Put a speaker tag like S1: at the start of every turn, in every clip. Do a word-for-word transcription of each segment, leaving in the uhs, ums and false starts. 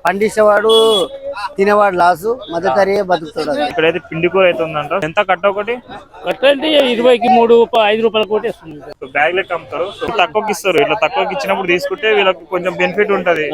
S1: పండించేవాడు తినేవాడు లాసు, మధ్యతరగతి బతుకుతాడు.
S2: ఇక్కడైతే పిండి కూర అయితే ఉందంట. ఎంత కట్ట ఒకటి?
S3: కట్ట అంటే ఇరవైకి మూడు ఐదు రూపాయల కోటి వస్తుంది.
S2: బ్యాగ్ లెక్క అమ్ముతారు, తక్కువకి ఇస్తారు. ఇట్లా తక్కువకి ఇచ్చినప్పుడు తీసుకుంటే వీళ్ళకి కొంచెం బెనిఫిట్ ఉంటది.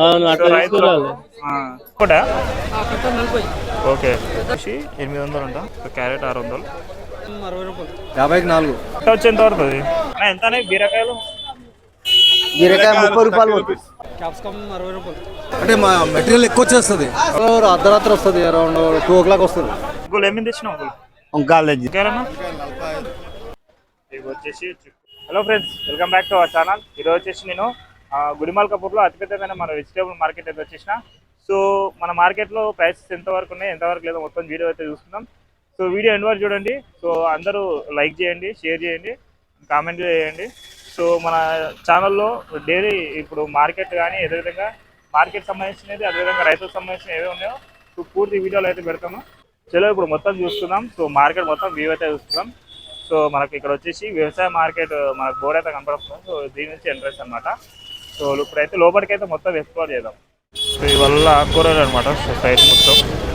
S2: ఓకే, ఎనిమిది వందలు అంట. క్యారెట్ ఆరు వందలు,
S4: యాభైకి నాలుగు.
S2: కట్ట వచ్చి ఎంత పడుతుంది? ఎంత బీరకాయలు?
S1: బీరకాయ ముప్పై రూపాయలు పోతుంది.
S4: అంటే మా మెటీరియల్ ఎక్కువ వచ్చేస్తుంది, అర్ధరాత్రి వస్తుంది, అరౌండ్ టూ ఓ క్లాక్ వస్తుంది.
S2: ఏమేమి తెచ్చినావు? వచ్చేసి hello friends, welcome back to our channel. ఈరోజు వచ్చేసి నేను గుడిమల్కాపూర్లో అతిపెద్దమైన మన వెజిటేబుల్ మార్కెట్ అయితే వచ్చేసిన. సో మన మార్కెట్లో ప్రైసెస్ ఎంతవరకు ఉన్నాయి, ఎంతవరకు లేదో మొత్తం వీడియో అయితే చూస్తున్నాం. సో వీడియో ఎండ్ వరకు చూడండి. సో అందరూ లైక్ చేయండి, షేర్ చేయండి, కామెంట్ చేయండి. సో మన ఛానల్లో డైలీ ఇప్పుడు మార్కెట్ కానీ అదేవిధంగా మార్కెట్ సంబంధించినది, అదేవిధంగా రైతులకు సంబంధించిన ఏవే ఉన్నాయో సో పూర్తి వీడియోలు అయితే పెడతాము. చలో ఇప్పుడు మొత్తం చూస్తున్నాం. సో మార్కెట్ మొత్తం వ్యూ అయితే చూస్తున్నాం. సో మనకి ఇక్కడ వచ్చేసి వ్యవసాయ మార్కెట్ మనకు బోర్డు అయితే కనపడుతుంది. సో దీని నుంచి ఎంట్రెన్స్ అనమాట. సో ఇప్పుడైతే లోపలికి అయితే మొత్తం ఎక్స్ప్లోర్ చేద్దాం. సో ఇవల్ల ఆకుకూరలు అనమాట. సో సైడ్ మొత్తం.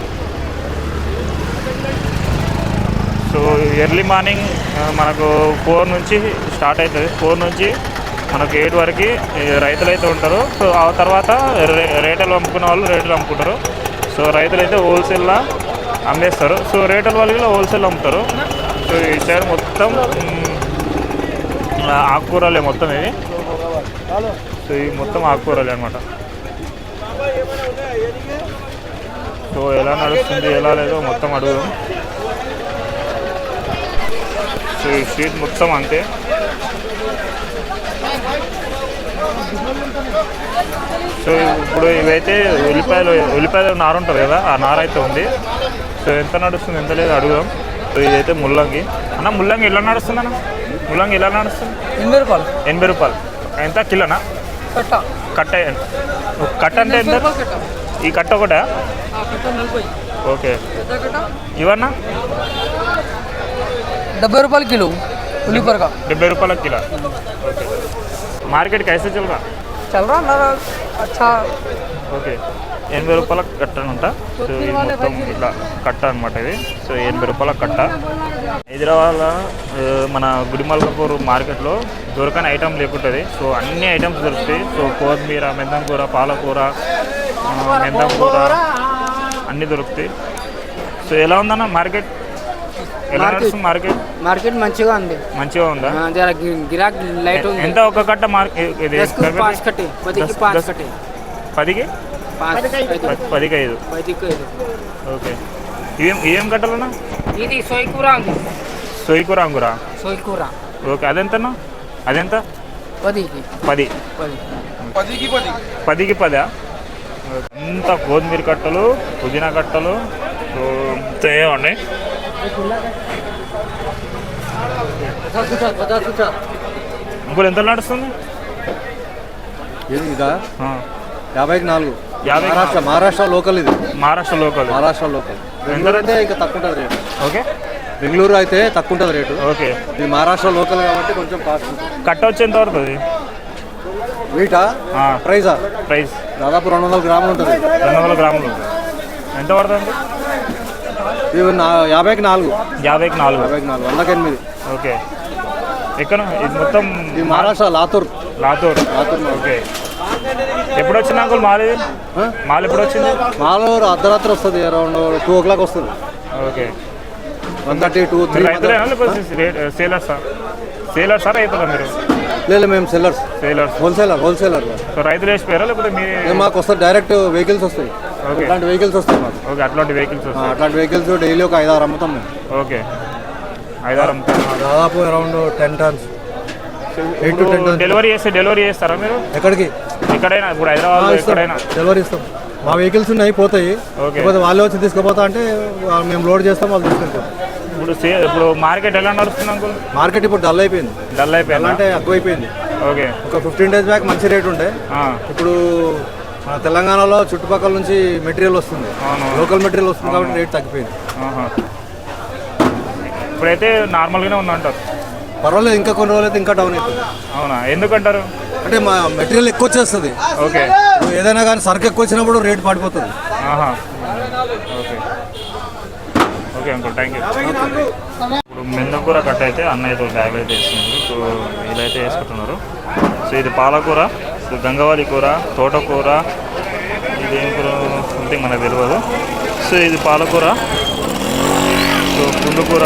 S2: సో ఎర్లీ మార్నింగ్ మనకు ఫోర్ నుంచి స్టార్ట్ అవుతుంది. ఫోర్ నుంచి మనకు ఎయిట్ వరకు రైతులు అయితే ఉంటారు. సో ఆ తర్వాత రేటలు అమ్ముకునే వాళ్ళు రేట్లు అమ్ముకుంటారు. సో రైతులు అయితే హోల్సేల్లో అమ్మేస్తారు. సో రేటల వాళ్ళు హోల్సేల్ అమ్ముతారు. సో ఈ సైడ్ మొత్తం ఆకుకూరలే మొత్తం ఇవి. సో ఇవి మొత్తం ఆకుకూరలే అనమాట. సో ఎలా నడుస్తుంది ఎలా లేదో మొత్తం అడుగుదాం. సో ఈ స్ట్రీట్ మొత్తం అంతే. సో ఇప్పుడు ఇవైతే ఉల్లిపాయలు ఉల్లిపాయలు నారు ఉంటుంది కదా, ఆ నార అయితే ఉంది. సో ఎంత నడుస్తుంది ఎంత లేదు అడుగుదాం. సో ఇదైతే ముల్లంగి. అన్న ముల్లంగి ఎలా నడుస్తుంది అన్న? ముల్లంగి ఎలా నడుస్తుంది?
S3: ఎనభై రూపాయలు.
S2: ఎనభై రూపాయలు ఎంత కిలోనా?
S3: కట్ట
S2: కట్ట కట్ట అంటే ఎంత? ఈ కట్ట ఒకటా? ఓకే. ఇవన్నా
S3: డెబ్బై రూపాయలు కిలో. ఉల్లిపాయ
S2: డెబ్బై రూపాయల కిలో. ఓకే. మార్కెట్ కైసే చల్ రా?
S3: చల్ రా అన్నారా? అచ్చా.
S2: ఓకే. ఎనభై రూపాయల కట్ట అంట. సో ఇది మొత్తం ఇట్లా కట్ట అనమాట ఇది. సో ఎనభై రూపాయల కట్ట. హైదరాబాద్లో మన గుడిమల్కాపూర్ మార్కెట్లో దొరకని ఐటమ్ లేకుంటుంది. సో అన్ని ఐటమ్స్ దొరుకుతాయి. సో కొత్తిమీర, మెంతం కూర, పాలకూర, మెంతం కూర అన్నీ దొరుకుతాయి. సో ఎలా ఉందన్న మార్కెట్? ఎలా నడుస్తుంది మార్కెట్?
S3: మార్కెట్ మంచిగా ఉంది.
S2: మంచిగా ఉందా?
S3: గిరాక్ లైట్ ఉంది.
S2: ఎంత ఒక కట్ట మార్కెట్? పదికి పదికి ఐదు. ఓకే. ఇవేం ఇవేం కట్టాలన్నా?
S3: ఇది సోయికూర.
S2: సోయికూర అంగురా?
S3: సోయికూర.
S2: ఓకే. అదెంతన్నా? అదెంత?
S3: పదికి
S2: పది.
S3: పదికి పది.
S2: పదికి పదా? అంత కొత్తిమీర కట్టలు, పుదీనా కట్టలు ఉన్నాయి. ఇంకోటి ఎంత నడుస్తుంది?
S4: ఇదా యాభైకి నాలుగు.
S2: యాభై.
S4: మహారాష్ట్ర మహారాష్ట్ర లోకల్. ఇది
S2: మహారాష్ట్ర లోకల్.
S4: మహారాష్ట్ర లోకల్. బెంగళూరు అయితే ఇంకా తక్కువ ఉంటుంది రేటు.
S2: ఓకే.
S4: బెంగళూరు అయితే తక్కువ ఉంటుంది రేటు.
S2: ఓకే.
S4: ఇది మహారాష్ట్ర లోకల్ కాబట్టి కొంచెం కాస్ట్ ఉంటుంది.
S2: కట్ట వచ్చి ఎంత పడుతుంది?
S4: వీటా ప్రైజా?
S2: ప్రైస్
S4: దాదాపు రెండు వందల గ్రాములు ఉంటుంది.
S2: రెండు వందల గ్రాములు ఎంత పడుతుంది?
S4: ఇవి యాభైకి నాలుగు.
S2: యాభైకి నాలుగు.
S4: యాభైకి నాలుగు. వందకి ఎనిమిది.
S2: ఓకే. ఎక్కడ ఇది మొత్తం?
S4: ఇది మహారాష్ట్ర లాతూర్.
S2: లాతూర్.
S4: లాతూర్.
S2: ఓకే. ఎప్పుడు వచ్చింది అంకుల్ మాల్? ఇది మాల్ ఎప్పుడు వచ్చింది?
S4: మాల్ అర్ధరాత్రి వస్తుంది, అరౌండ్ టూ ఓ క్లాక్ వస్తుంది.
S2: Okay.
S4: One thirty two three.
S2: రైతులేనా లేకపోతే సేలర్సా? సేలర్సా రైతులా మీరు?
S4: లేదు, మేము sellers.
S2: Sellers.
S4: Wholesaler. Wholesaler.
S2: So రైతులు వేసిపోయారా లేకపోతే మీరు?
S4: మాకు వస్తుంది డైరెక్ట్ వెహికల్స్ వస్తాయి.
S2: ఓకే.
S4: అట్లాంటి వెహికల్స్ వస్తాయి మాకు.
S2: ఓకే. అట్లాంటి వెహికల్స్ వస్తాయి.
S4: అట్లాంటి వెహికల్స్ డైలీ ఒక ఐదారు అమ్ముతాం మేము.
S2: ఓకే. ఐదారు అమ్ముతాం.
S4: దాదాపు around ten tons. Eight to ten tons.
S2: Delivery చేస్తే డెలివరీ చేస్తారా మీరు?
S4: ఎక్కడికి?
S2: ఎక్కడైనా ఇప్పుడు హైదరాబాద్ ఎక్కడైనా
S4: డెలివరీ ఇస్తాం. మా వెహికల్స్ ఉన్నాయి, పోతాయి. లేకపోతే వాళ్ళే వచ్చి తీసుకుపోతా అంటే మేము లోడ్ చేస్తాం, వాళ్ళు తీసుకెళ్తాం.
S2: ఇప్పుడు ఇప్పుడు మార్కెట్ ఎలా నడుస్తుంది అంకుల్?
S4: మార్కెట్ ఇప్పుడు డల్ అయిపోయింది.
S2: డల్ అయిపోయింది
S4: అంటే ఎక్కువైపోయింది.
S2: ఓకే.
S4: ఒక ఫిఫ్టీన్ డేస్ బ్యాక్ మంచి రేట్ ఉండే. ఇప్పుడు మన తెలంగాణలో చుట్టుపక్కల నుంచి మెటీరియల్ వస్తుంది, లోకల్ మెటీరియల్ వస్తుంది కాబట్టి రేట్ తగ్గిపోయింది.
S2: ఇప్పుడైతే నార్మల్గానే ఉందంటారు?
S4: పర్వాలేదు, ఇంకా కొన్ని రోజులు అయితే ఇంకా డౌన్ అవుతుంది.
S2: అవునా? ఎందుకంటారు?
S4: అంటే మా మెటీరియల్ ఎక్కువ వచ్చేస్తుంది.
S2: ఓకే,
S4: ఏదైనా కానీ సరుకు ఎక్కువ వచ్చినప్పుడు రేట్ పడిపోతుంది.
S2: ఆహా, okay okay uncle, thank you. ఇప్పుడు మెందకూర కట్ట అయితే అన్న అయితే బ్యాగ్ అయితే వేస్తున్నారు. సో వీళ్ళైతే వేసుకుంటున్నారు. సో ఇది పాలకూర, సో గంగవారి కూర, తోటకూర, ఇది ఏం కూర సంథింగ్ మనకు తెలియదు. సో ఇది పాలకూర, సో పుండుకూర.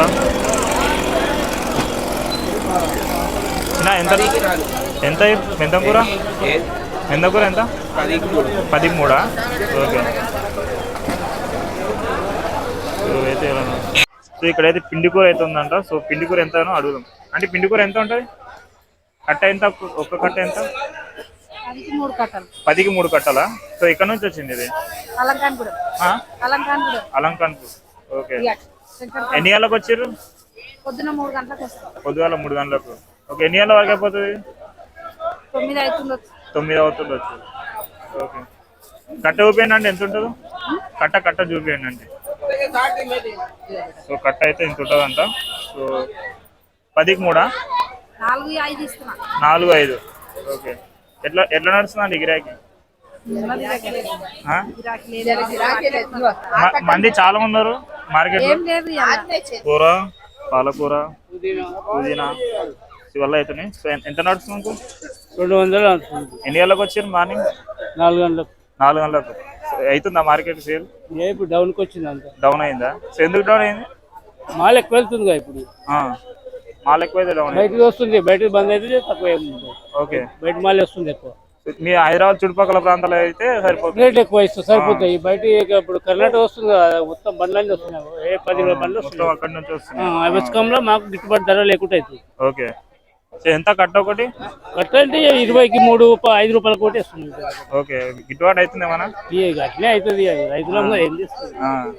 S2: చిన్న ఎంత ఎంత మెందకూర మెందకూర ఎంత? పది మూడా? ఓకే. సో అయితే సో ఇక్కడైతే పిండి కూర అయితే ఉందంట. సో పిండి కూర ఎంతనో అడుగుదాం. అంటే పిండి కూర ఎంత ఉంటుంది? కట్ట ఎంత? ఒక్క కట్ట ఎంత? పదికి మూడు కట్టలా? సో ఇక్కడ నుంచి వచ్చింది ఇది? అలంకాన్పూర్. ఓకే. ఎన్ని గంటలకు వచ్చారు?
S5: పొద్దున మూడు గంటలకు
S2: పొద్దుగాల మూడు గంటలకు. ఓకే, ఎన్ని గంటల వరకు అయిపోతుంది?
S5: తొమ్మిది అవుతుండొచ్చు.
S2: తొమ్మిది అవుతుండొచ్చు. ఓకే. కట్ట చూపించండి అంటే ఎంత ఉంటుందో? కట్ట కట్ట చూపించండి అంటే. సో కట్ట అయితే ఇంత ఉంటుందంట. సో పదికి మూడా?
S5: నాలుగు ఐదు ఇస్తున్నా.
S2: నాలుగు ఐదు. ఓకే. ఎట్లా ఎట్లా నడుస్తుందండి గిరాకీ? మంది చాలా ఉన్నారు మార్కెట్ లో. కూర, పాలకూర, పుదీనా ఇవల్ల అవుతున్నాయి. సో ఎంత నడుస్తుంది?
S3: రెండు వందలు.
S2: ఎన్ని గంటలకు వచ్చారు? మార్నింగ్
S3: నాలుగు గంటలకు.
S2: నాలుగు గంటలకు అవుతుందా మార్కెట్ సేల్?
S3: ఇప్పుడు డౌన్కి వచ్చింది అంత.
S2: డౌన్ అయిందా? సో ఎందుకు డౌన్ అయింది?
S3: మాల్ ఎక్కువ వెళ్తుంది ఇప్పుడు.
S2: మాల్ ఎక్కువ అయితే డౌన్
S3: బయటకు వస్తుంది, బయటకు బంద్ అయితే తక్కువ.
S2: ఓకే,
S3: బయట మాల్ వస్తుంది ఎక్కువ.
S2: మీ హైదరాబాద్ చుట్టుపక్కల ప్రాంతాలు అయితే సరిపోతుంది,
S3: రేట్ ఎక్కువ ఇస్తుంది, సరిపోతాయి. బయట ఇప్పుడు కర్ణాటక వస్తుంది కదా, మొత్తం బండ్లన్నీ వస్తున్నాయి. ఏ పది బండ్లు వస్తున్నాయి
S2: అక్కడి నుంచి వస్తున్నాయి.
S3: అవసరంలో మాకు గిట్టుబాటు ధర లేకుండా అవుతుంది.
S2: ఓకే. సో ఎంత కట్ట ఒకటి?
S3: కట్ట అంటే ఇరవైకి మూడు ఐదు రూపాయల కోటి వస్తుంది.
S2: ఓకే, గిట్టుబాటు అవుతుంది ఏమన్నా?
S3: అట్లే అవుతుంది. రైతులంగా ఏం చేస్తుంది?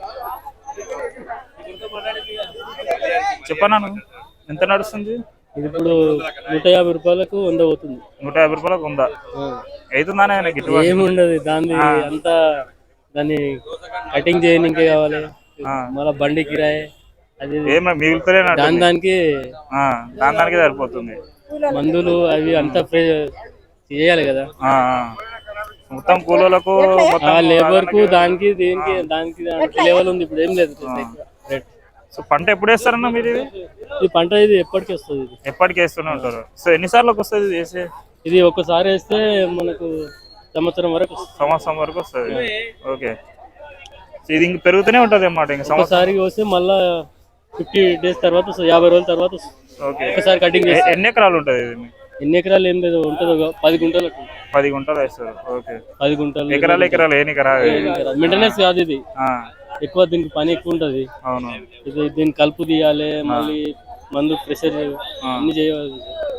S2: చెప్పనా ఎంత నడుస్తుంది?
S3: ఇది ఇప్పుడు నూట యాభై రూపాయలకు వంద పోతుంది.
S2: నూట యాభై రూపాయలకు ఉందా? అవుతుందానే గిట్టుబాటు?
S3: ఏముండదు దాన్ని అంతా, దాన్ని కటింగ్ చేయడానికి కావాలి, మళ్ళీ బండి కిరాయి అది
S2: మిగులుతలే.
S3: దాని దానికి
S2: దాని దానికి సరిపోతుంది.
S3: మందులు అవి అంతా చేయాలి కదా
S2: మొత్తం కూలీలకు,
S3: లేబర్ కు, దానికి దీనికి దానికి లెవెల్ ఉంది. ఇప్పుడు ఏం లేదు రేట్.
S2: సో పంట ఎప్పుడు వేస్తారన్నా మీరు?
S3: ఈ పంట ఇది ఎప్పటికి వస్తుంది. ఇది
S2: ఎప్పటికి వేస్తూనే ఉంటారు. సో ఎన్నిసార్లకు వస్తుంది ఇది వేసే?
S3: ఇది ఒక్కసారి వేస్తే మనకు సంవత్సరం వరకు
S2: సంవత్సరం వరకు వస్తుంది. ఓకే. ఇది ఇంక పెరుగుతూనే ఉంటుంది అన్నమాట. ఇంకా
S3: ఒకసారి వస్తే మళ్ళా ఫిఫ్టీ డేస్ తర్వాత, యాభై రోజుల తర్వాత ఒకసారి కటింగ్ చేస్తే.
S2: ఎన్ని ఎకరాలు ఉంటుంది ఇది?
S3: ఎన్ని ఎకరాలు ఏం లేదు, ఉంటుంది పది గుంటలు.
S2: పది గుంటలు వేస్తారు. ఓకే,
S3: పది గుంటలు.
S2: ఎకరాలు ఎకరాలు ఏని ఎకరాలు
S3: మెయింటెనెన్స్ కాదు ఇది, ఎక్కువ దీనికి పని ఎక్కువ ఉంటది.
S2: అవును,
S3: ఇది దీన్ని కలుపు తీయాలి, మళ్ళీ మందు ప్రెషర్ అన్ని చేయాలి.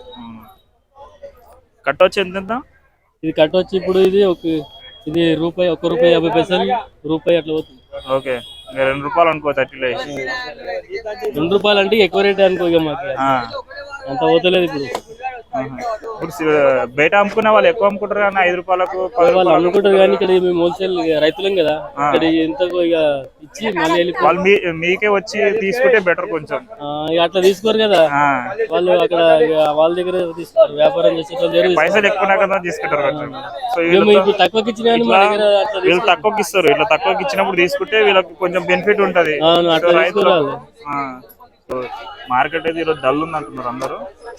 S2: కట్ట వచ్చి ఎంత?
S3: ఇది కట్ట వచ్చి ఇప్పుడు ఇది ఒక ఇది రూపాయి, ఒక్క రూపాయి యాభై పైసలు, రూపాయి అట్లా పోతుంది.
S2: ఓకే, రెండు రూపాయలు అనుకో. థర్టీలో
S3: రెండు రూపాయలు అంటే ఎక్కువ రేట్ అనుకో. ఇక మాకు అంత పోతలేదు ఇప్పుడు.
S2: ఇప్పుడు బయట అమ్ముకునే వాళ్ళు ఎక్కువ అమ్ముకుంటారు కానీ ఐదు రూపాయలకు
S3: వాళ్ళు అమ్ముకుంటారు. కానీ ఇక్కడ మేము హోల్సేల్ రైతులం కదా, ఇక్కడ ఎంతకు ఇక ఇచ్చి మళ్ళీ
S2: వాళ్ళు మీకే వచ్చి తీసుకుంటే బెటర్ కొంచెం.
S3: అట్లా తీసుకోరు కదా వాళ్ళు, అక్కడ వాళ్ళ దగ్గర తీసుకుంటారు. వ్యాపారం చేసే
S2: పైసలు ఎక్కువ కదా తీసుకుంటారు కొంచెం. సో
S3: ఇప్పుడు తక్కువకి ఇచ్చిన
S2: వీళ్ళు తక్కువకి ఇస్తారు. ఇట్లా తక్కువకి ఇచ్చినప్పుడు తీసుకుంటే వీళ్ళకి కొంచెం బెనిఫిట్ ఉంటది. మార్కెట్ అయితే ఈరోజు డల్ ఉంది అంటున్నారు అందరూ.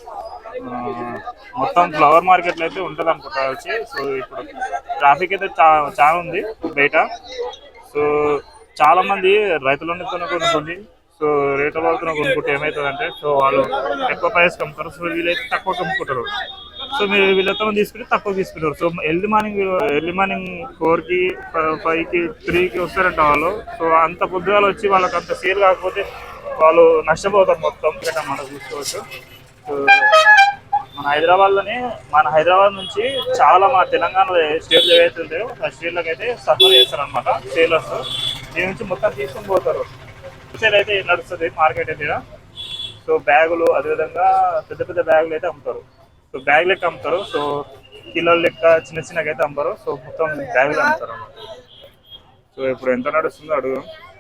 S2: మొత్తం ఫ్లవర్ మార్కెట్ లో అయితే ఉంటది అనుకుంటా వచ్చి. సో ఇప్పుడు ట్రాఫిక్ అయితే చాలా ఉంది బయట. సో చాలా మంది రైతులతో కొనుక్కోండి. సో రేట్ల వాళ్ళతో కొనుక్కుంటే ఏమవుతుందంటే, సో వాళ్ళు ఎక్కువ ప్రైస్ అమ్ముతారు. సో వీళ్ళైతే తక్కువ అమ్ముకుంటారు. సో మీరు వీళ్ళతో తీసుకుంటే తక్కువ తీసుకుంటారు. So early morning early morning four కి ఫైవ్ కి త్రీ కి వస్తారంట వాళ్ళు. సో అంత పొద్దుగాలు వచ్చి వాళ్ళకి అంత సేల్ కాకపోతే వాళ్ళు నష్టపోతారు మొత్తం. మనం చూసుకోవచ్చు. సో మన హైదరాబాద్ లోనే మన హైదరాబాద్ నుంచి చాలా మన తెలంగాణ స్టేట్లు ఏవైతే ఉంటాయో ఆ స్టేట్లకు అయితే సఫర్ చేస్తారు అనమాట సేలర్స్. దీని నుంచి మొత్తం తీసుకొని పోతారు. సేల్ అయితే నడుస్తుంది మార్కెట్ అయితే. సో బ్యాగులు, అదేవిధంగా పెద్ద పెద్ద బ్యాగులు అయితే అమ్ముతారు. సో బ్యాగ్ లెక్క అమ్ముతారు. సో కిలోల లెక్క చిన్న చిన్నగా అయితే అమ్ముతారు. సో మొత్తం బ్యాగులు అమ్ముతారు అన్నమాట. సో ఇప్పుడు ఎంత నడుస్తుందో అడుగు.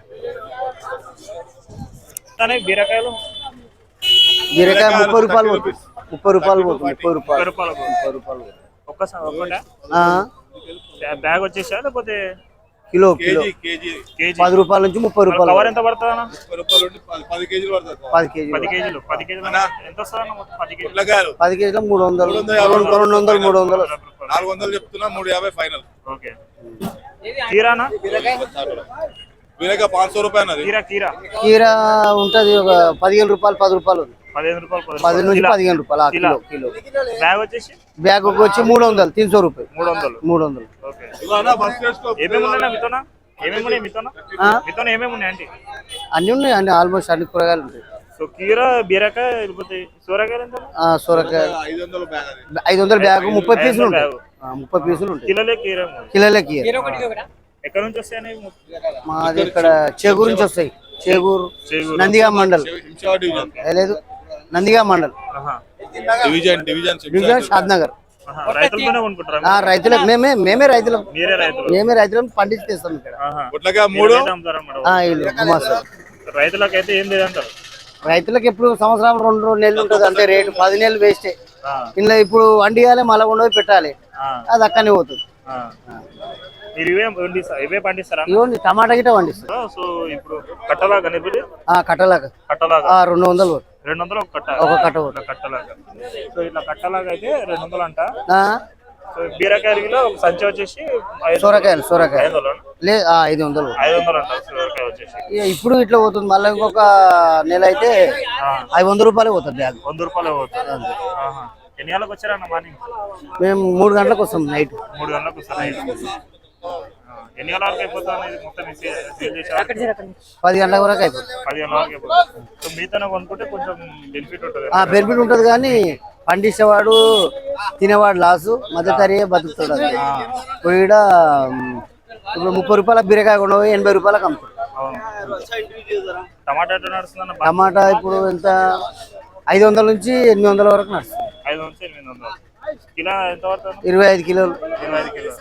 S2: కానీ బీరకాయలు
S1: బీరకాయ ముప్పై రూపాయలు పోతుంది. ముప్పై రూపాయలు పోతుంది. ముప్పై రూపాయలు
S2: రూపాయలు
S1: ముప్పై రూపాయలు
S2: ఒక్కసారి ఒక్కటే
S1: ఆ,
S2: బ్యాగ్ వచ్చేసా లేకపోతే
S1: కిలో కిలో
S2: కేజీ
S1: పది రూపాయల నుంచి ముప్పై రూపాయలు
S2: కవర్ ఎంత పడుతుంది అన్న
S1: పది కేజీలు
S2: పది కేజీలు పది కేజీలు ఎంత వస్తుంది అన్న మొత్తం పది కేజీలు
S1: పది కేజీలు మూడు వందలు రెండు వందలు మూడు వందలు
S6: నాలుగు వందలు చెప్తున్నా మూడు యాభై ఫైనల్
S2: ఓకే కీరానా
S6: వీరగా పాంచ్ సో రూపాయలు అన్నది
S2: కీరా కీరా
S1: కీర ఉంటది ఒక పదిహేను రూపాయలు పది రూపాయలు ఉంది.
S2: పదిహేను రూపాయలు పది
S1: పది నుంచి
S2: కిలో.
S1: పదిహేను రూపాయలు ఆ కిలో కిలో
S2: బ్యాగ్ వచ్చేసి
S1: బ్యాగ్ వచ్చి మూడు వందలు తీన్ సో రూపాయలు
S2: మూడు వందలు
S1: మూడు వందలు
S2: ఓకే ఏమేమి ఉన్నాయి మీతోనా ఏమేమి ఉన్నాయి మీతోనా
S1: ఆ?
S2: మీతోనా ఏమేమి ఉన్నాయి అంటే
S1: అన్ని ఉన్నాయి అన్ని ఆల్మోస్ట్ అన్ని కూరగాయలు ఉంటాయి.
S2: సో కీరా బీరకాయ లేకపోతే సూరకాయలు ఎంత
S1: ఆ, సొరకాయ
S6: ఐదు వందలు బ్యాగ్ అది
S1: ఐదు వందల బ్యాగ్ ముప్పై
S2: ఐదు
S1: పీసులు
S2: వందల
S1: ఉంటాయి.
S2: బ్యాగు.
S1: ఆ, ముప్పై పీసులు ఉంటాయి.
S2: కిలోలే కీరా
S1: కిలోలే కీర
S2: ఎక్కడ నుంచి వస్తాయని
S1: మాది ఇక్కడ చేగూరు నుంచి వస్తాయి. చేగూరు
S2: చేగూరు.
S1: నందిగా మండల్
S6: హింసావా డివిజన్
S1: ఏ లేదు నందిగా మండల్
S2: ఆహా.
S6: Division division
S1: division Shadnagar.
S2: ఆహా. రైతులతోనే కొనుక్కుంటారా
S1: ఆ, రైతులకు మేమే మేమే రైతులం
S2: మీరే రైతులు
S1: మేమే రైతులను పండించి తెస్తాం ఇక్కడ.
S2: ఆహా.
S6: గుట్లగా మూడు
S2: మీరైతే అమ్ముతారన్నమాట.
S1: ఆ, వీళ్ళు గుమాస్తారు.
S2: రైతులకైతే ఏం లేదంటారు
S1: రైతులకు ఎప్పుడు సంవత్సరం రెండు రెండు నెలలు ఉంటుంది అంతే రేటు పది నెలలు వేస్టే.
S2: ఆ.
S1: ఇందులో ఇప్పుడు వండియాలి మళ్ళీ ఉండవి పెట్టాలి
S2: ఆ.
S1: అది అక్కడనే పోతుంది.
S2: ఆ. మీరు ఇవే పండిస్తారా ఇవే పండిస్తారా
S1: ఇవ్వండి టమాటా గిట్ట పండిస్తారు.
S2: సో ఇప్పుడు కట్టలాగా ఇప్పుడు
S1: ఆ, కట్టలాగా
S2: కట్టలాగా
S1: ఆ, రెండు వందలు
S2: రెండు వందలు ఒక కట్ట
S1: ఒక కట్ట
S2: ఇట్లా కట్టలాగా సో ఇట్లా కట్టలాగా అయితే రెండు వందలు అంట
S1: ఆ,
S2: సో బీరకాయ కిలో ఒక సంచి వచ్చేసి ఐదు
S1: సొరకాయలు సొరకాయ
S2: ఐదు వందలు
S1: లే ఆ, ఐదు వందలు
S2: ఐదు వందలు అంట సొరకాయ వచ్చేసి
S1: ఇక ఇప్పుడు ఇట్లా పోతుంది మళ్ళీ ఇంకొక నెల అయితే ఐదు వందల రూపాయలు పోతుంది బ్యాగ్.
S2: వంద రూపాయలు పోతుంది ఆహా. ఎన్ని గంటలకు వచ్చారన్న మార్నింగ్
S1: మేము మూడు గంటలకు వస్తాం నైట్.
S2: మూడు గంటలకు వస్తారు నైట్ ఎన్ని గంటల వరకు అయిపోతుంది అనేది మొత్తం సేల్ చేసారు
S1: పది గంటల వరకు అయిపోతుంది.
S2: పది గంటల వరకు అయిపోతుంది సో మీతోనే కొనుక్కుంటే కొంచెం బెనిఫిట్ ఉంటుంది
S1: ఆ బెనిఫిట్ ఉంటుంది కానీ పండించేవాడు తినేవాడు లాసు మధ్య తరిగే బతుకుతాడు. అది ఇప్పుడు ఈడ మ్, ఇప్పుడు ముప్పై రూపాయల బీరకాయ కొండ పోయి ఎనభై రూపాయలకు అమ్ముతాడు.
S2: అవును టమాటా ఎట్లా నడుస్తుందన్న
S1: టమాటా ఇప్పుడు ఎంత ఐదు వందల నుంచి ఎనిమిది వందల వరకు నడుస్తుంది.
S2: ఐదు నుంచి ఎనిమిది వందలు కిలో ఎంత పడుతుంది
S1: ఇరవై ఐదు కిలోలు
S2: ఇరవై ఐదు కిలో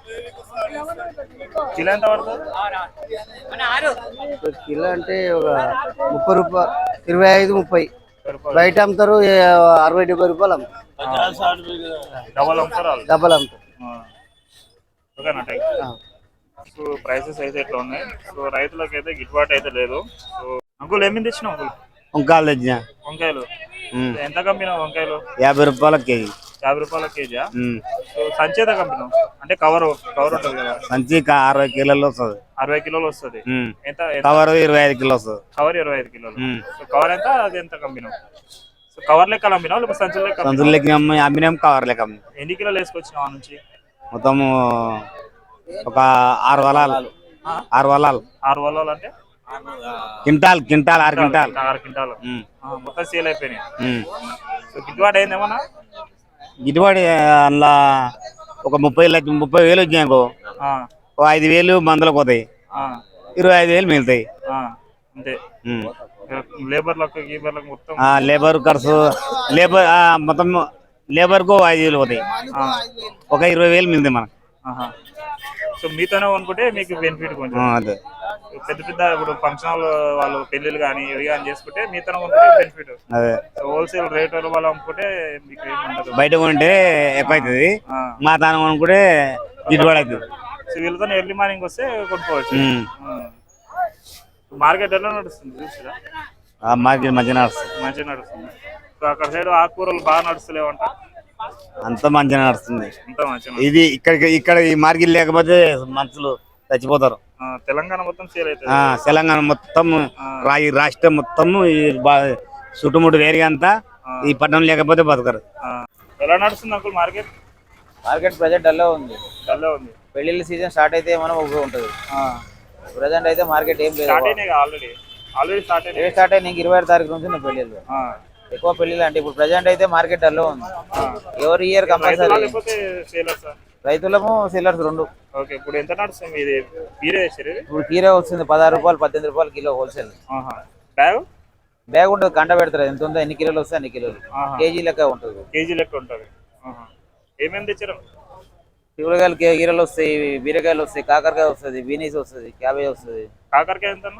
S2: కిలో ఎంత పడుతుంది
S1: ఇప్పుడు కిలో అంటే ఒక ముప్పై రూపాయలు ఇరవై ఐదు ముప్పై
S2: రూపాయలు
S1: బయట అమ్ముతారు ఏ, అరవై డెబ్బై రూపాయలు అమ్ముతారు.
S2: డబల్ అమ్ముతారు వాళ్ళు
S1: డబ్బలు అమ్ముతారు.
S2: ఆ. ఓకేనా థ్యాంక్ యూ.
S1: ఆ.
S2: సో ప్రైసెస్ అయితే ఇట్లా ఉన్నాయి సో రైతులకు అయితే గిట్టుబాటు అయితే లేదు సో అంకుల్ ఏమేమి తెచ్చినావు అంకుల్
S7: వంకాయలు తెచ్చిన
S2: వంకాయలు ఎంత కంపినావు వంకాయలు
S7: యాభై రూపాయల కేజీ.
S2: యాభై రూపాయల కేజీయా
S7: ఉమ్.
S2: సో సంచి ఎంత కంపినావు అంటే కవర్ కవర్ ఉంటుంది కదా
S7: సంచి కా- అరవై కిలోలు వస్తుంది.
S2: అరవై కిలోలు వస్తుంది
S7: ఉమ్.
S2: ఎంత ఎంత?
S7: కవర్ ఇరవై ఐదు కిలో వస్తుంది.
S2: కవర్ ఇరవై ఐదు కిలోలు
S7: ఉమ్.
S2: సో కవర్ ఎంత అది ఎంత కంపినావు సో కవర్ లెక్క అమ్మినావు లేకపోతే సంచుల లెక్క
S7: సంచులు
S2: అమ్మినావా?
S7: లెక్క అమ్మి అమ్మినాం కవర్ లెక్క అమ్మి
S2: ఎన్ని కిలోలు వేసుకొచ్చినావు ఆ నుంచి
S7: మొత్తము ఒక ఆరు వలాలు
S2: ఆ?
S7: ఆరు వలాలు
S2: ఆరు వల్లాలు అంటే
S7: క్వింటాల్ క్వింటాల్ ఆరు క్వింటాల్.
S2: ఆరు క్వింటాలు
S7: ఉమ్.
S2: ఆ, మొత్తం సేల్ అయిపోయినాయి
S7: ఉమ్.
S2: సో గిట్టుబాటు అయిందేమన్నా
S7: గిట్టుబాటు అందులో ఒక ముప్పై లక్ష ముప్పై వేలు వచ్చినాయనుకో
S2: ఆ,
S7: ఒక ఐదు వేలు మందులకు పోతాయి,
S2: ఆ,
S7: ఇరవై ఐదు వేలు మిగులుతాయి.
S2: ఆ, అంతే
S7: ఉమ్.
S2: లేబర్లకు గీబర్లకు మొత్తం
S7: ఆ, లేబర్ ఖర్చు లేబర్ ఆ, మొత్తం లేబర్కు ఐదు వేలు పోతాయి,
S2: ఆ,
S7: ఒక ఇరవై వేలు మిగులుతాయి మనకు.
S2: ఆహా. సో మీతోనే అనుకుంటే మీకు బెనిఫిట్ కొంచెం
S7: ఆ, అదే
S2: పెద్ద పెద్ద ఇప్పుడు ఫంక్షన్ హాల్ వాళ్ళు పెళ్లిళ్ళు కానీ ఇవి కానీ చేసుకుంటే మీతోనే అనుకుంటే బెనిఫిట్
S7: అదే
S2: సో హోల్సేల్ రేట్ వాళ్ళు అమ్ముకుంటే మీకు ఏమి ఉండదు
S7: బయట కొంటే ఎక్కువ అవుతుంది,
S2: ఆ.
S7: మా తాను కొనుక్కుంటే గిట్టుబాటు అవుతుంది.
S2: సో వీళ్ళతో ఎర్లీ మార్నింగ్ వస్తే కొనుక్కోవచ్చు
S7: ఉమ్.
S2: మార్కెట్ ఎలా నడుస్తుంది చూసిరా
S7: ఆ మార్కెట్ మంచిగా నడుస్తుంది,
S2: మంచిగా నడుస్తుంది సో అక్కడ సైడ్ ఆకుకూరలు బాగా నడుస్తలేవంట
S7: అంత మంచిగా నడుస్తుంది.
S2: అంత మంచిగా
S7: ఇది ఇక్కడ ఇక్కడ ఈ మార్కెట్ లేకపోతే మనుషులు చచ్చిపోతారు.
S2: ఆ, తెలంగాణ మొత్తం సేల్ అవుతుంది
S7: ఆ తెలంగాణ మొత్తం రా ఈ రాష్ట్రం మొత్తం ఈ బా- చుట్టుముట్టు వేరే అంతా ఈ పట్టణం లేకపోతే బతకరు.
S2: ఆ, ఎలా నడుస్తుంది అంకుల్ మార్కెట్
S8: మార్కెట్ ప్రజెంట్ డల్లో ఉంది.
S2: డల్లా ఉంది
S8: పెళ్లిళ్ళ సీజన్ స్టార్ట్ అయితే మనం ఒక ఉంటుంది. ప్రజెంట్ అయితే మార్కెట్ ఏం లేదు.
S2: స్టార్ట్ అయినాయి ఆల్రెడీ ఆల్రెడీ స్టార్ట్
S8: ఏ
S2: అయినాయి
S8: స్టార్ట్ అయ్యి ఇరవై ఆరు తారీఖు నుంచి ఉన్నాయి పెళ్లిళ్ళు.
S2: ఆ,
S8: ఎక్కువ పెళ్లిళ్ళు అంటే ఇప్పుడు ప్రజెంట్ అయితే మార్కెట్ డల్లో ఉంది.
S2: ఆ.
S8: ఎవరి ఇయర్
S2: రైతులా
S8: కంపల్సరీ
S2: లేకపోతే సేలర్ సార్
S8: రైతులము సెల్లర్స్ రెండు.
S2: ఓకే ఇప్పుడు ఎంత నడుస్తుంది ఇది మీరే వేసారు ఇది
S8: ఇప్పుడు కీరే వస్తుంది పదహారు రూపాయలు పద్దెనిమిది రూపాయలు కిలో హోల్సేల్.
S2: ఆహా. బ్యాగ్
S8: బ్యాగ్ ఉంటుంది, కంట పెడతారు ఎంత ఉందో ఎన్ని కిలోలు వస్తే అన్ని కిలోలు,
S2: ఆహా.
S8: కేజీ లెక్క ఉంటుంది.
S2: కేజీ లెక్క ఉంటుంది ఆహా. ఏమేమి తెచ్చారు
S8: కూరగాయలు కే- కీరలు వస్తాయి, బీరకాయలు వస్తాయి, కాకరకాయ వస్తుంది, బీనీస్ వస్తుంది, క్యాబేజ్ వస్తుంది.
S2: కాకరకాయ ఎంత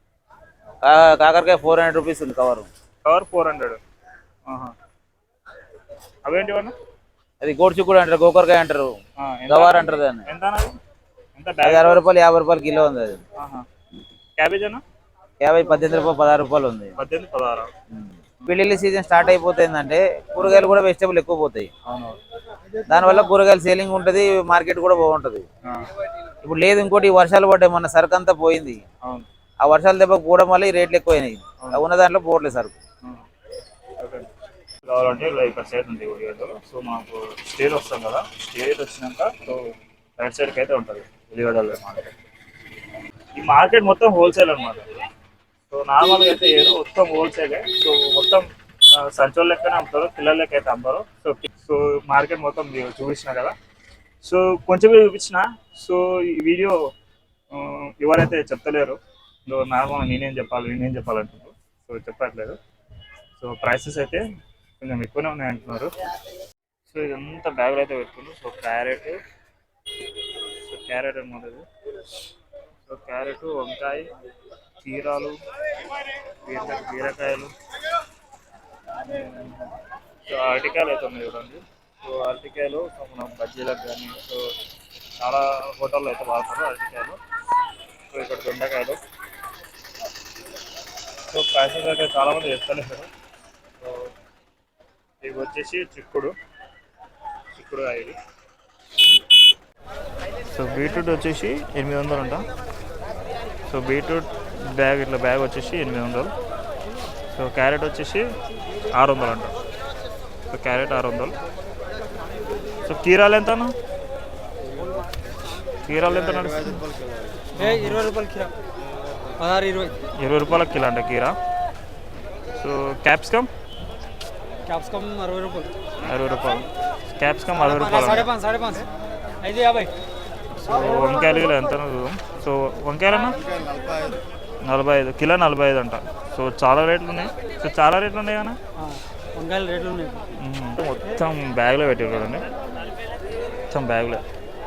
S8: కా- కాకరకాయ ఫోర్ హండ్రెడ్ రూపీస్ ఉంది కవర్.
S2: కవర్ ఫోర్ హండ్రెడ్ అవేంటి అన్న
S8: అది గోడ్చిక్కుడు అంటారు, గోకరకాయ అంటారు,
S2: ఆ, ఎంత
S8: గవార్ అంటారు దాన్ని.
S2: ఎంత అన్నది? ఎంత
S8: అది
S2: బ్యాగ్?
S8: అరవై రూపాయలు యాభై రూపాయలు కిలో ఉంది. అది
S2: క్యాబేజ్ అన్న
S8: యాభై పద్దెనిమిది రూపాయలు పదహారు రూపాయలు ఉంది.
S2: పద్దెనిమిది పదహారు.
S8: పెళ్లిళ్ళ సీజన్ స్టార్ట్ అయిపోతుందంటే కూరగాయలు కూడా వెజిటబుల్ ఎక్కువ పోతాయి.
S2: అవును.
S8: దానివల్ల కూరగాయలు సేలింగ్ ఉంటుంది, మార్కెట్ కూడా బాగుంటుంది.
S2: ఆ,
S8: ఇప్పుడు లేదు, ఇంకోటి వర్షాలు పడ్డాయి, మన సరుకు అంతా పోయింది.
S2: అవును.
S8: ఆ వర్షాల దెబ్బ పోవడం వల్ల ఈ రేట్లు ఎక్కువైనాయి. ఉన్న దాంట్లో పోవట్లేదు సరుకు.
S2: ఓకే. కావాలంటే ఇలా ఇక్కడ సైడ్ ఉంది ఉల్లిగడ్డ. సో మాకు స్టేజ్ వస్తాం కదా, స్టేజ్ వచ్చినాక సో రైట్ సైడ్కి అయితే ఉంటుంది ఉల్లిగడ్డలు మార్కెట్. ఈ మార్కెట్ మొత్తం హోల్సేల్ అనమాట. సో నార్మల్గా అయితే ఏదో మొత్తం హోల్సేలే. సో మొత్తం సంచోళ్ళ లెక్కనే అమ్ముతారు, పిల్లల లెక్క అయితే అమ్మారు. సో సో మార్కెట్ మొత్తం మీరు చూపించిన కదా, సో కొంచెం చూపించిన. సో ఈ వీడియో ఎవరైతే చెప్తలేరు, నార్మల్ నేనేం చెప్పాలి నేనేం చెప్పాలంటున్నారు, సో చెప్పట్లేదు. సో ప్రైసెస్ అయితే కొంచెం ఎక్కువనే ఉన్నాయి అంటున్నారు. సో ఇదంతా బ్యాగులు అయితే పెట్టుకున్నారు. సో క్యారెట్, సో క్యారెట్ అనమాట ఇది. సో క్యారెట్, వంకాయ, కీరాలు, బీర బీరకాయలు, సో అరటికాయలు అయితే ఉన్నాయి చూడండి. సో అరటికాయలు సో మనం బజ్జీలకు కానీ సో చాలా హోటల్లో అయితే వాడతారు అరటికాయలు. సో ఇక్కడ దొండకాయలు. సో ప్రైసెస్ అయితే చాలామంది చెప్తలేరు. సో ఇవి వచ్చేసి చిక్కుడు చిక్కుడు ఇది. సో బీట్రూట్ వచ్చేసి ఎనిమిది వందలు అంట. సో బీట్రూట్ బ్యాగ్ ఇట్లా బ్యాగ్ వచ్చేసి ఎనిమిది వందలు. సో క్యారెట్ వచ్చేసి ఆరు వందలు అంట. సో క్యారెట్ ఆరు వందలు. సో కీరాలు ఎంత అన్న? కీరాలు ఎంత నడుస్తుంది?
S3: ఇరవై రూపాయలు కిలో, పదహారు ఇరవై
S2: ఇరవై రూపాయల కిలో అంట కీరా. సో క్యాప్సికమ్
S3: క్యాప్సికమ్ అరవై రూపాయలు
S2: అరవై రూపాయలు క్యాప్సికమ్ అరవై రూపాయలు.
S3: సాడే పాంచ్ సాడే పాంచ్ ఐదు యాభై.
S2: సో వంకాయలు కిలో ఎంత? సో వంకాయలన్నా నలభై ఐదు కిలో నలభై ఐదు అంట. సో చాలా రేట్లు ఉన్నాయి. సో చాలా రేట్లు ఉన్నాయి కదా,
S3: వంకాయలు రేట్లు ఉన్నాయి.
S2: మొత్తం బ్యాగ్లో పెట్టారు చూడండి, మొత్తం బ్యాగ్లో.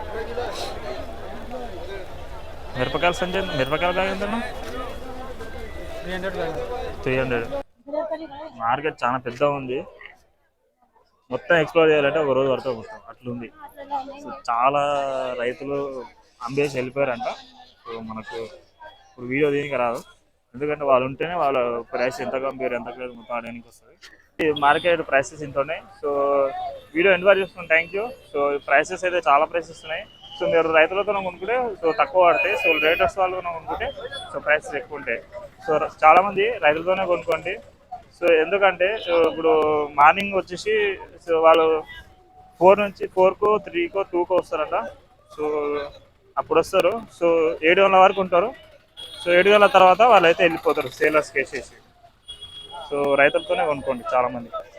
S2: మిరపకాయల సంచి మిరపకాయల బ్యాగ్ ఎంత?
S3: Three hundred bag.
S2: Three hundred. Market చాలా పెద్దగా ఉంది, మొత్తం ఎక్స్ప్లోర్ చేయాలంటే ఒక రోజు పడుతుంది మొత్తం అట్లుంది. సో చాలా రైతులు అమ్మేసి వెళ్ళిపోయారంట. సో మనకు ఇప్పుడు వీడియో దీనికి రాదు, ఎందుకంటే వాళ్ళు ఉంటేనే వాళ్ళ ప్రైస్ ఎంత కంపేర్ ఎంత మొత్తం ఆడడానికి వస్తుంది. మార్కెట్ ప్రైసెస్ ఇంత ఉన్నాయి. సో వీడియో ఎండ్ వరకు చూసుకున్నాను, థ్యాంక్ యూ. సో ప్రైసెస్ అయితే చాలా ప్రైసెస్ ఉన్నాయి. సో మీరు రైతులతో కొనుక్కుంటే సో తక్కువ పడతాయి. సో రేటర్స్ వాళ్ళు కొనుక్కుంటే సో ప్రైసెస్ ఎక్కువ ఉంటాయి. సో చాలామంది రైతులతోనే కొనుక్కోండి. సో ఎందుకంటే ఇప్పుడు మార్నింగ్ వచ్చేసి సో వాళ్ళు ఫోర్ నుంచి ఫోర్కో త్రీకో టూకో వస్తారంట. సో అప్పుడు వస్తారు. సో ఏడు గంటల వరకు ఉంటారు. సో ఏడు గంటల తర్వాత వాళ్ళు అయితే వెళ్ళిపోతారు సేలర్స్కి వేసేసి. సో రైతులతోనే కొనుక్కోండి చాలామంది.